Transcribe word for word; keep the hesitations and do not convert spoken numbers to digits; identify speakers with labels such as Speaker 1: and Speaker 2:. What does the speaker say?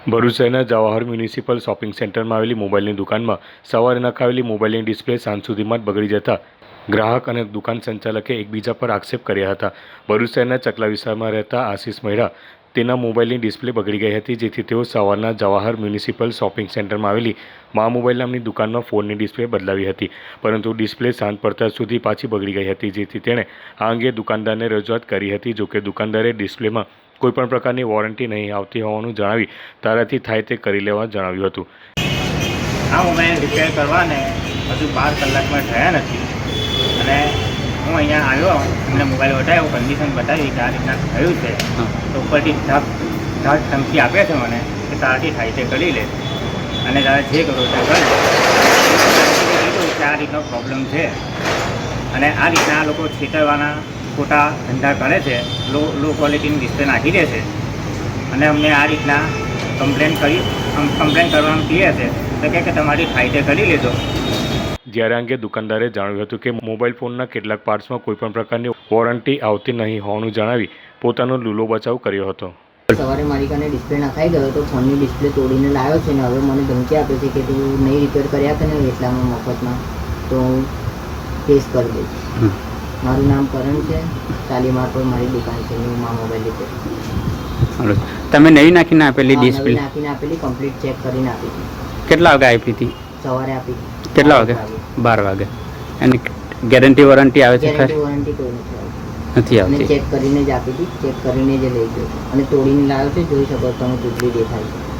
Speaker 1: ભરૂચ શહેરના Jawahar municipal shopping સેન્ટરમાં આવેલી મોબાઈલની દુકાનમાં સવારે નખાવેલી મોબાઈલની ડિસ્પ્લે સાંજ સુધીમાં જ બગડી જતા ગ્રાહક અને દુકાન સંચાલકે એકબીજા પર આક્ષેપ કર્યા હતા. ભરૂચ શહેરના ચકલા વિસ્તારમાં રહેતા આશિષ મહેરા તેના મોબાઈલની ડિસ્પ્લે બગડી ગઈ હતી, જેથી તેઓ સવારના જવાહર મ્યુનિસિપલ શોપિંગ સેન્ટરમાં આવેલી મા મોબાઈલ નામની દુકાનમાં ફોનની ડિસ્પ્લે બદલાવી હતી, પરંતુ ડિસ્પ્લે સાંજ પડતા સુધી પાછી બગડી ગઈ હતી, જેથી તેણે આ અંગે દુકાનદારને રજૂઆત કરી હતી. જોકે દુકાનદારે ડિસ્પ્લેમાં કોઈપણ પ્રકારની વોરંટી નહીં આવતી હોવાનું જણાવી તારાથી થાય તે કરી લેવા જણાવ્યું હતું.
Speaker 2: આ મોબાઈલ રિપેર કરવાને હજુ બાર કલાકમાં થયા નથી અને હું અહીંયા આવ્યો, એમને મોબાઈલ બતાવ્યો, કન્ડિશન બતાવી કે આ રીતના થયું છે, તો ઉપરથી ઢાક ઢાક ધમકી આપે છે મને કે તારાથી થાય તે કરી લે અને તારે જે કરો તે કર. કીધું કે આ રીતનો પ્રોબ્લેમ છે અને આ રીતના આ લોકો છેતરવાના ખોટા ધંધા કરે છે, લો લો ક્વોલિટીની ડિસ્પ્લે નાખી દે છે અને અમને આ રીતના કમ્પ્લેન કરી કમ્પ્લેન કરવાનું કહે છે, તો કહે કે તમારી ફાયદે કરી લેજો.
Speaker 1: જ્યારે અંગે દુકાનદારે જણાવ્યું હતું કે મોબાઈલ ફોનના કેટલાક પાર્ટ્સમાં કોઈપણ પ્રકારની વોરંટી આવતી નહીં હોવાનું જણાવી પોતાનો લૂલો બચાવ કર્યો હતો.
Speaker 3: સવારે મારી કાને ડિસ્પ્લે નખાઈ ગયો તો ફોનની ડિસ્પ્લે તોડીને લાવ્યો છે ને હવે મને ધમકી આપે છે કે તું નહીં રિપેર કર્યા કે નહીં એટલામાં મફતમાં તો હું કેસ કરી દઈશ. મારું નામ કરણ છે, શાલીમાર પર મારી દુકાન છે, હું મા મોબાઈલ રિપેર.
Speaker 4: તમે નવી નાખીને આપેલી ડિસ્પ્લે
Speaker 3: નાખીને આપેલી કમ્પ્લીટ ચેક કરીને આપી હતી.
Speaker 4: કેટલા વાગે આપી હતી?
Speaker 3: સવારે આપી.
Speaker 4: કેટલા વાગે? બાર વાગે. એની ગેરંટી વોરંટી આવે છે?
Speaker 3: ગેરંટી વોરંટી કોઈ નથી
Speaker 4: નથી આવતી.
Speaker 3: ચેક કરીને જ આપી હતી, ચેક કરીને જ લઈ ગયો અને તોડીને લાવ્યો છે, જોઈ શકો તમે તૂટલી દેખાય છે.